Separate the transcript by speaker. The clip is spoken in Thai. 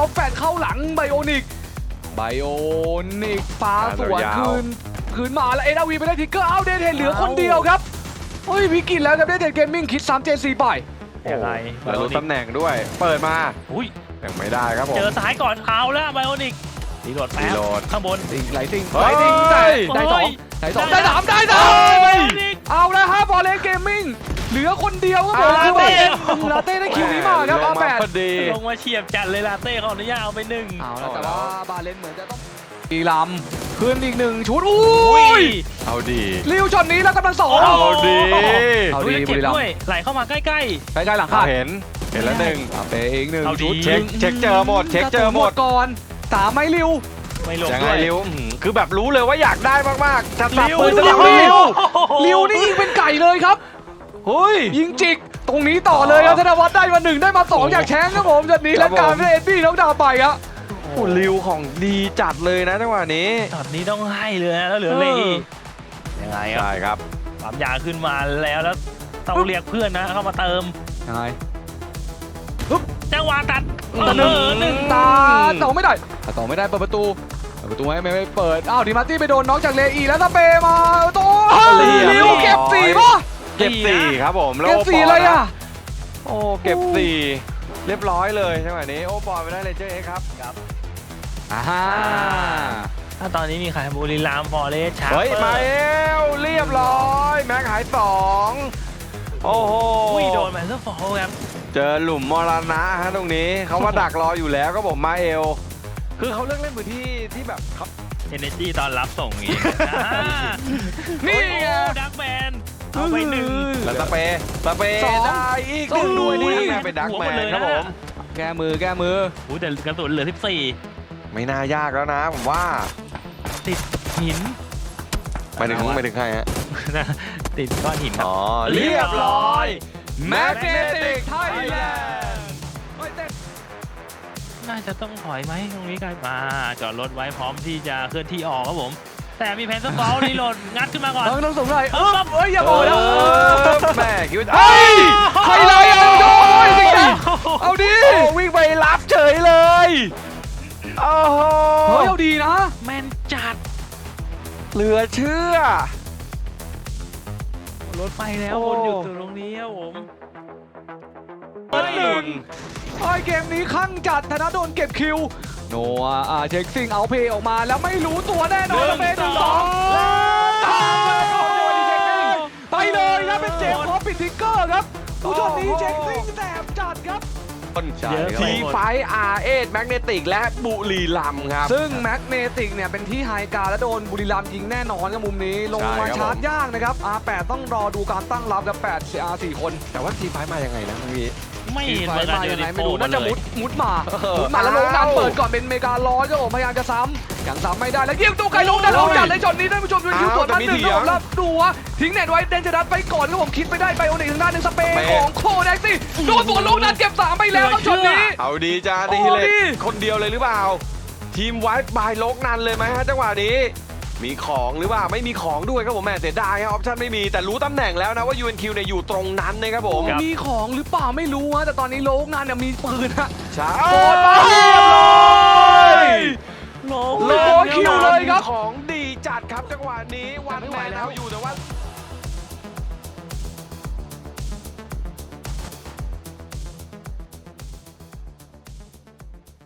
Speaker 1: แล้วแฟนเข้าหลังไบโอนิกปาสวนคืนมาแล้วเอ็นอาวีไปได้ทิกเกอร์เอาเดนเทนเหลือคนเดียวครับเฮ้ยวิกิตแล้วครับเดนเทนเกมมิ่งคิด3 J4 ไป
Speaker 2: ยังไง
Speaker 3: แล้วรู้ตำแหน่งด้วยเปิดมา
Speaker 2: อุ้ย
Speaker 3: ยังไม่ได้ครับผม
Speaker 2: เจอซ้ายก่อนเอาแล้วไบโอนิกรีโหลดแป๊บ
Speaker 3: รีโหลด
Speaker 2: ข้างบน
Speaker 1: ไหลติง
Speaker 3: เฮ้ย
Speaker 1: ได้สองได้สาม
Speaker 2: ไบ
Speaker 1: ได้
Speaker 2: โอนิก
Speaker 1: เอาแล้วฮะบอลเลนเกมมิ่งเหลือคนเดียวครับผมคือว่าลาเต้ได้คิวนี้มาครับ
Speaker 3: ล
Speaker 1: อาง แป
Speaker 3: มา
Speaker 1: ด
Speaker 3: พอดี
Speaker 2: ลงมาเฉียบจัดเลยลาเต้เขาอนุญาตเอาไปหนึ่ง
Speaker 1: เอาแล้วแต่ว่าบาเลนเหมือนจะต้องอีลำขึ้นอีก1ชุดอุ้ย
Speaker 3: เอาดี
Speaker 1: ลิวช็อตนี้แล้วกำลังสอง
Speaker 3: เอาดี
Speaker 1: เอา
Speaker 2: ดู
Speaker 1: ดี
Speaker 2: แล้ว
Speaker 1: บุ
Speaker 2: เจ็บ
Speaker 1: รีรัม
Speaker 2: ด้วย
Speaker 1: ย์
Speaker 2: ไหลเข้ามาใกล้
Speaker 1: ใกล้ๆหลังคาด
Speaker 3: เห็นแล้วหนึ่ง
Speaker 1: เปอีก1
Speaker 2: เอาดี
Speaker 1: ชุด
Speaker 3: เช็คเจอหมดเช็คเจอหมด
Speaker 1: ก่อน3ไหมลิว
Speaker 2: ๆไม่ลง
Speaker 3: ยังไง
Speaker 2: ด้วย
Speaker 3: ริวคือแบบรู้เลยว่าอยากได้มากๆจะสับ
Speaker 2: ริว
Speaker 3: ปืนจะ
Speaker 1: ริ
Speaker 3: สับ
Speaker 1: ว
Speaker 3: ริว
Speaker 1: ลิวนี่ยิงเป็นไก่เลยครับ
Speaker 3: เฮ้ย
Speaker 1: ยิงจิกตรงนี้ต่อเลยครับธนวัฒน์ได้มา1ได้มา2อยากแชงครับผมจากนี้
Speaker 3: ครั
Speaker 1: และ
Speaker 3: บผม
Speaker 1: การเป็นเอ็ดดี้น้องดาวไปครับ
Speaker 3: โอ้ริวของดีจัดเลยนะจังหวะนี้
Speaker 2: ช็อตนี้ต้องให้เลยนะแล้วเหลือเลยยังไงครับ
Speaker 3: ใช่ครับ
Speaker 2: ความยาวขึ้นมาแล้วต้องเรียกเพื่อนนะเข้ามาเติม
Speaker 1: ยังไง
Speaker 2: จังหวะตัด
Speaker 1: หนึ่งตาต่อไม่ได้ต่อไม่ได้เปิดประตูไม่เปิดอ้าวดิมาร์ตี้ไปโดนน็อกจากเลอีแล้วสเปย์มาโต้
Speaker 3: เรียบ
Speaker 1: ลิวเก็บ4ป่ะ
Speaker 3: เก็บ4ครับผมแล้ว
Speaker 1: เก็บ
Speaker 3: โอป
Speaker 1: 4เลยอ่ะ
Speaker 3: โอ้เก็บ4เรียบร้อยเลยจังหวะนี้โอปอลไปได้เลยเจ้เอ็กครับ
Speaker 1: อ่า
Speaker 2: ถ้าตอนนี้มีใครบุรีรัมย์ฟอเรสต์ชาร์
Speaker 3: เฮ้ยมาเอลเรียบร้อยแม็กหาย2โอ้โห
Speaker 2: อุ้ยโดนแมนเซอร์ฟอลครับ
Speaker 3: เจอหลุมมรณะฮะตรงนี้เขาว่าดักรออยู่แล้วก็ผมมาเอลคือเขาเลือกเล่นพื้นที่ที่แบบเขา
Speaker 2: เอเนจีตอนรับส่งอย่างงี้
Speaker 1: นี่ไง
Speaker 2: ดักแมนเอาไปหนึ่ง
Speaker 3: แล้วสเปย์
Speaker 1: สอง
Speaker 3: ได้อีก
Speaker 1: สองด้วยนี่
Speaker 3: ไงเป็นดักแมนครับผม
Speaker 1: แก้มือ
Speaker 2: อู้แต่กระสุนเหลือ
Speaker 3: ไม่น่ายากแล้วนะผมว่า
Speaker 2: 14 ติดหิน
Speaker 3: ไปถึงใครฮะ
Speaker 2: ติดก้อนหินครับ
Speaker 3: อ๋อเรียบร้อย
Speaker 1: Magnetic Thailand
Speaker 2: น่าจะต้องถอยไหมตรงนี้กันมาจอดรถไว้พร้อมที่จะเคลื่อนที่ออกครับผม แต่มีแพนเซอร์ฟอลรีโหลดงัดขึ้นมาก่อน
Speaker 1: ต้องสงสัยเอ้ยอย่าบอกนะ
Speaker 3: แม่คิดว่า
Speaker 1: เฮ้ยใครเลยเอาโดนจริงนะเอาดิ
Speaker 3: โอ้วิ่งไปรับเฉยเลยโอ้โห
Speaker 1: เฮ้ยเอาดีนะ
Speaker 2: แมนจัด
Speaker 3: เหลือเชื่อ
Speaker 2: รถไปแล้ว
Speaker 3: โอ้
Speaker 2: วนอยู่ตรงนี้ครับผม
Speaker 3: หนึ่ง
Speaker 1: ไอ้เกมนี้ข้างจัดธนาโดนเก็บคิวโนอาเช็คซิงเอาเพย์ออกมาแล้วไม่รู้ตัวแน่นอนเป็น1-2ตามมาของโดนเช็คซิงไปเลยครับเป็นเจมส์พอปิดทิกเกอร์ครับผู้ชมนี้เช็คซิงแสบจัดครับ
Speaker 3: ทีไฟอาร์เอสแมกเนติกและบุรีรัมย์ครับ
Speaker 1: ซึ่งแมกเนติกเนี่ยเป็นที่ไฮการและโดนบุรีรัมย์ยิงแน่นอนกับมุมนี้ลงมา
Speaker 3: ใช่ครับ
Speaker 1: ชาร์จยากนะครับ R8 ต้องรอดูการตั้งรับกับ8 R4 คน
Speaker 3: แต่ว่าทีไฟมายังไงนะพี่
Speaker 2: ไม่เห็น
Speaker 1: ไฟ
Speaker 2: เหมือนกัน
Speaker 1: มา
Speaker 2: เจ
Speaker 1: ยั
Speaker 2: อง
Speaker 1: ไง
Speaker 2: ดิ
Speaker 1: ไม่
Speaker 2: โป้
Speaker 1: รู้
Speaker 2: มา
Speaker 1: น่าจะ
Speaker 2: เลย
Speaker 1: มุดมาแล้วลงน้ำเปิดก่อนเป็นเมการ้อยก็ผมพยายามจะซ้ำยังซ้ำไม่ได้แล้วยิงตัวไกลลงด้านลงจัดเลยช็อตนี้ท่านผู้ชมดูคิวสวนมาหนึ่งครับแล้วดูว่าทิ้งเน็ตไว้เดนจะดัดไปก่อนก็ผมคิดไม่ได้ไปโอนิกทางด้านหนึ่งสเปย์ของโคแดกซี่โดนสวนลงนัดเก็บ3ไปแล้วครับช็อตนี้
Speaker 3: เอาดีจ้า
Speaker 1: โอ้
Speaker 3: ดีเลย
Speaker 1: ดี
Speaker 3: คนเดียวเลยหรือเปล่า ทีมไวท์บายโลกนันเลยไหมฮะจังหวะนี้ มีของหรือเปล่าไม่มีของด้วยครับผมแม่เสียดายครับออปชั่นไม่มีแต่รู้ตำแหน่งแล้วนะว่า UNQ เนี่ยอยู่ตรงนั้นนะครับผม
Speaker 1: มีของหรือเปล่าไม่รู้ฮะแต่ตอนนี้โลกงานเนี่ยมีปืนฮะ
Speaker 3: ใช่
Speaker 1: โดนมาเรียบร้อย
Speaker 2: โล
Speaker 1: โลคิวเลยครับ
Speaker 3: ของดีจัดครับจังหวะนี้วันแมนเอาอยู่แต่ว่า